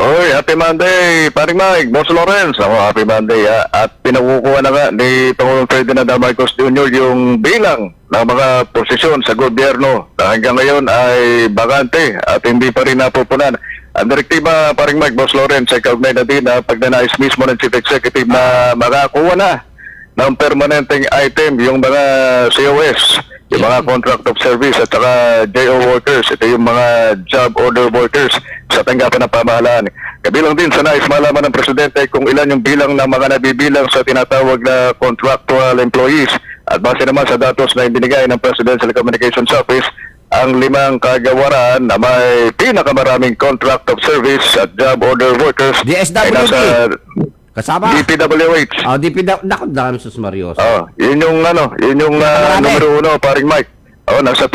Oy, happy Monday, paring Mike, Boss Lawrence. Ako, happy Monday. Ha? At pinakukuha na nga ni Pangulong Ferdinand Marcos Jr. yung bilang ng mga posisyon sa gobyerno na hanggang ngayon ay bakante at hindi pa rin napupunan. Ang direktiba, paring Mike, Boss Lawrence, ay kaugnay na din na pagnanais mismo ng Chief Executive na makakuha na ng permanenteng item yung mga COS, yung mga contract of service at saka JO workers. Ito yung mga job order workers sa tanggapan ng pamahalaan. Kabilang din sa nais malaman ng Presidente kung ilan yung bilang ng mga nabibilang sa tinatawag na contractual employees. At base naman sa datos na ibinigay ng Presidential Communications Office, ang 5 kagawaran na may pinakamaraming contract of service at job order workers ay nasa Kasama? DPWH. Naku, dami sus Marios. Yun yung numero 1, paring Mike. Nasa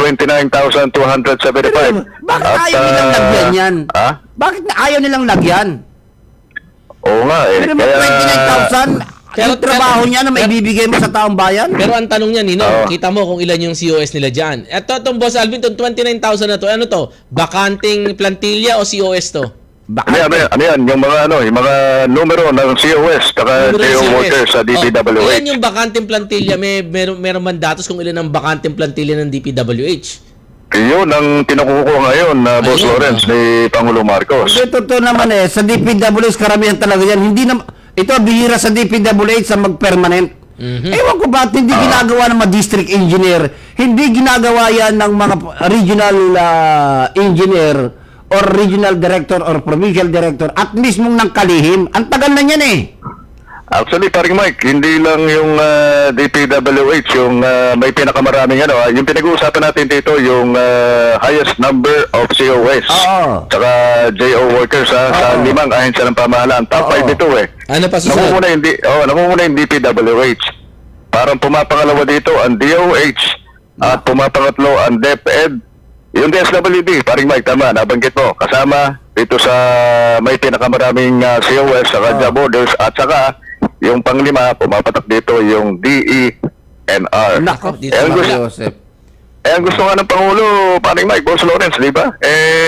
29,275. Bakit ayaw nilang lagyan yan? Bakit ayaw nilang lagyan? Oo nga eh. Pero may 29,000, yung trabaho niya na may bibigay mo sa taong bayan? Pero ang tanong niya, Nino, kita mo kung ilan yung COS nila dyan. Eto, itong Boss Alvin, itong 29,000 na to, ano to? Bakanting plantilla o COS to? Ano yan? Yung mga numero ng COS saka JO workers sa DPWH. Ilan yung bakanting plantilla? Meron man datos kung ilan ang bakanting plantilla ng DPWH? Yun ang kinukuha ngayon na Boss Lawrence ni Pangulo Marcos. Totoo naman sa DPWH karamihan talaga yan. Ito bihira sa DPWH sa mag-permanent. Ewan ko ba't hindi ginagawa ng mga district engineer, hindi ginagawa yan ng mga regional engineer or regional director or provincial director at mismong ng kalihim. Ang tagal na yan eh. Actually, paring Mike, hindi lang yung DPWH yung may pinakamaraming yung pinag-uusapan natin dito yung highest number of COS tsaka JO workers sa 5 ahensya ng pamahalaan. Top 5 ito eh. Ano pa susunod? Namumuna yung DPWH. Parang pumapangalawa dito ang DOH at pumapangatlo ang DepEd. Yung DSWD, paring Mike, tama, nabanggit mo. Kasama dito sa may pinakamaraming COS saka job orders at saka yung panglima, pumapatak dito yung DENR. Nako, Ang gusto nga ng Pangulo, paring Mike, Boss Lawrence, di ba?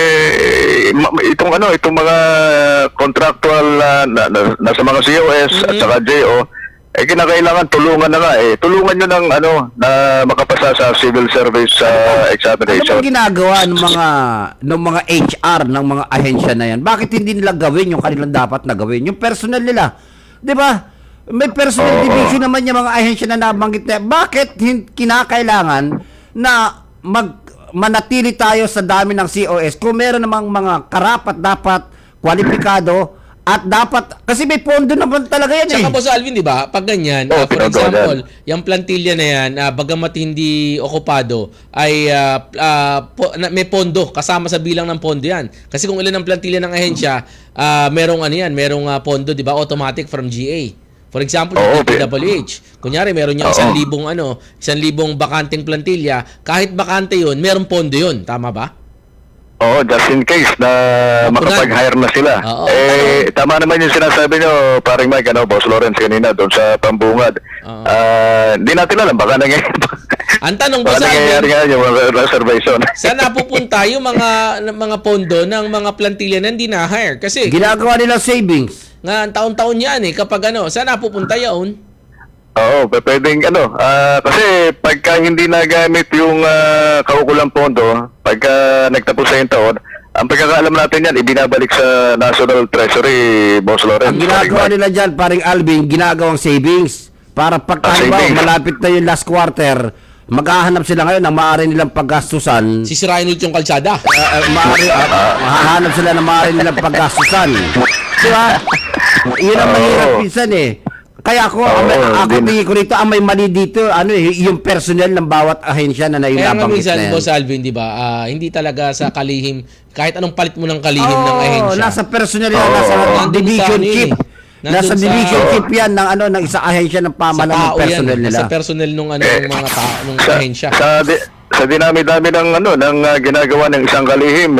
Itong mga contractual nasa mga COS at saka JO, kinakailangan tulungan na nga tulungan nyo na makapasa sa civil service examination. Ano ba ginagawa ng mga HR ng mga ahensya na yan? Bakit hindi nila gawin yung kanilang dapat na gawin? Yung personnel nila, di ba? May personnel division naman yung mga ahensya na nabanggit na. Bakit kinakailangan na manatili tayo sa dami ng COS kung meron namang mga karapat dapat kwalipikado at dapat, kasi may pondo naman talaga yan Tsaka Boss Alvin, di ba? Pag ganyan, for example, yung plantilla na yan, bagamat hindi okupado, ay may pondo, kasama sa bilang ng pondo yan. Kasi kung ilan ang plantilla ng ahensya, merong pondo, di ba? Automatic from GA. For example, yung DPWH. Kunyari, meron yung 1,000 bakanting plantilla. Kahit bakante yun, merong pondo yun. Tama ba? Just in case na makapag-hire na sila. Tama naman yung sinasabi nyo, paring Mike, Boss Lawrence kanina doon sa Pambungad. Hindi natin alam, baka nangyayari. Ang tanong, Boss Alvin, nangyayari nga yung reservation. saan napupunta yung mga pondo ng mga plantilla na hindi na-hire? Kasi ginagawa nila savings. Nga, taon-taon yan kapag saan napupunta yun? Pwedeng kasi pagka hindi nagamit yung kaukulang pondo, pagka nagtapos sa yung taon, ang pagkakaalam natin yan, ibinabalik sa National Treasury, Boss Lawrence. Ang ginagawa nila dyan, paring Alvin, ginagawang savings. Para malapit na yung last quarter, maghahanap sila ngayon ng maaari nilang paggastusan. Sisirain ulit yung kalsada. Mahahanap sila ng maaari nilang paggastusan. Diba? Yun ang mahirap pinsan Kaya ako tingin ko rito, ang may mali dito, yung personnel ng bawat ahensya na nailabanggit na yan. Boss Alvin, di ba, hindi talaga sa kalihim, kahit anong palit mo ng kalihim ng ahensya. Nasa personnel yan, nasa division chief. Nasa division chief yan ng isang ahensya ng pamahalaan ng personnel nila. Sa personnel nung mga tao, nung ahensya. Sa dinami-dami ng ginagawa ng isang kalihim,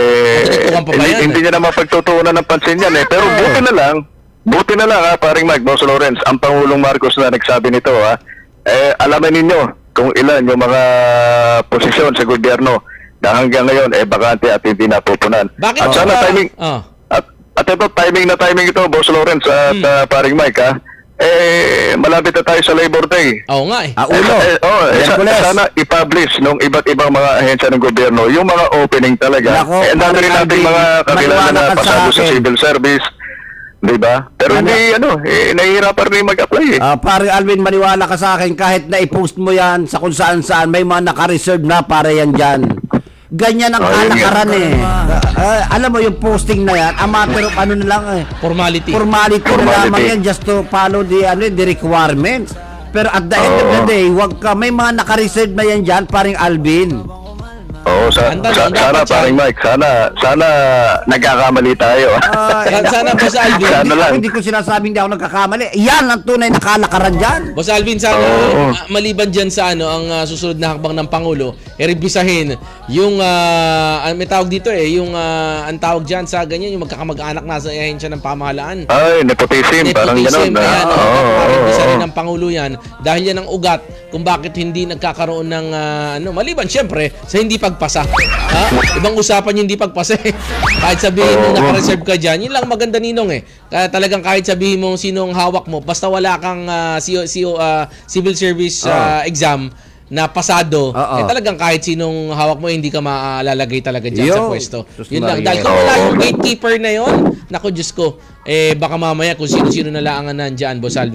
hindi niya naman pagtutuunan ng pansin yan Pero buti na lang paring Mike, Boss Lawrence, ang Pangulong Marcos na nagsabi nito alaman ninyo kung ilan yung mga posisyon sa gobyerno na hanggang ngayon bakante at hindi napupunan. Bakit at sana timing at At ito, timing ito, Boss Lawrence at paring Mike, ha? Malapit na tayo sa Labor Day. Oo nga eh. Ulo. Miyerkules. Sana i-publish nung iba't ibang mga ahensya ng gobyerno yung mga opening talaga. Nako, Ang dami rin Parang nating Alvin, mga kakilala maniwala na ka sa pasado sa akin. civil service. Di ba? Pero Ano? hindi, nahihirapan rin mag-apply eh. Pare Alvin, maniwala ka sa akin, kahit na i-post mo yan sa kung saan-saan, may mga naka-reserve na para yan dyan. Ganyan ang Oh, yun kalakaran eh. Alam mo, yung posting na yan, a matter of ano na lang eh. Formality. Formality na Formality. lamang yan just to follow the requirements. Pero at the end of the day, wag ka, may mga naka-reserve na yan dyan, paring Alvin. Oo, Ang tanong, sana dapat paring Mike, sana nagkakamali tayo. Sana, Boss Alvin. Sana lang. Hindi ko sinasabing hindi ako nagkakamali. Yan ang tunay na kalakaran dyan. Boss Alvin, sana Oo. maliban dyan sa ang susunod na hakbang ng Pangulo, rebisahin yung, may tawag dito yung ang tawag dyan sa ganyan, yung magkakamag-anak na sa ahensya ng pamahalaan. Ay, nepotism, parang Nepotism, gano'n. ayan, Oo. rebisahin ng Pangulo yan. Dahil yan ang ugat kung bakit hindi nagkakaroon ng, maliban syempre, sa hindi pagpasa. Ibang usapan yung hindi pagpasa eh. Kahit sabihin mo naka-reserve ka dyan, yun lang maganda ninong eh. Kaya talagang kahit sabihin mo sinong hawak mo, basta wala kang civil service exam na pasado, talagang kahit sinong hawak mo, hindi ka maalalagay talaga dyan sa Yo, pwesto. Sus Yun lang. Maria. Dahil kung wala yung gatekeeper na yun, naku Diyos ko, baka mamaya kung sino-sino na lang ang nandyan, Boss Alvin.